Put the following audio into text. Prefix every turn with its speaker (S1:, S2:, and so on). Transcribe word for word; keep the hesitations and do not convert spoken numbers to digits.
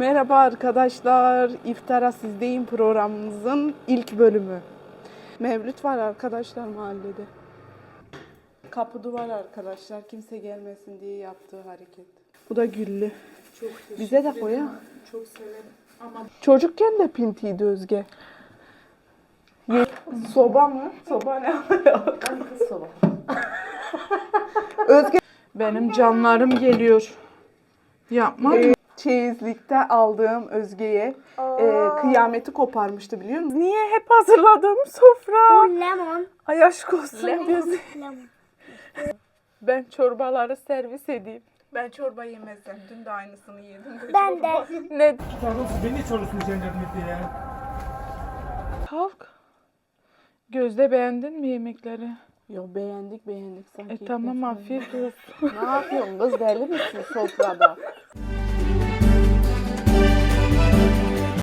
S1: Merhaba arkadaşlar. İftara Sizdeyim programımızın ilk bölümü. Mevlüt var arkadaşlar mahallede. Kapı duvar arkadaşlar. Kimse gelmesin diye yaptığı hareket. Bu da güllü.
S2: Çok
S1: Bize de koy ha.
S2: Çok severim. Ama
S1: Çocukken de pintiydi Özge. Ye- soba mı? Soba ne?
S2: kız soba.
S1: Özge
S2: Benim canlarım geliyor. Yapma.
S1: e, çeyizlikte aldığım Özge'ye e, kıyameti koparmıştı biliyor musun? Niye hep hazırladığım sofra?
S3: Lemon.
S1: Ay aşk olsun.
S3: Lemon.
S1: Ben çorbaları servis edeyim. Ben çorba yemezsem. Dün de aynısını yedim.
S3: Ben de.
S1: Ne?
S4: Pardon siz beni niye çağırıyorsunuz yardım etmeye ya?
S1: Kalk.
S2: Gözde beğendin mi yemekleri?
S1: Yo beğendik beğendik sanki.
S2: E tamam afiyet olsun.
S1: Ne yapıyorsun kız deli misin sofrada?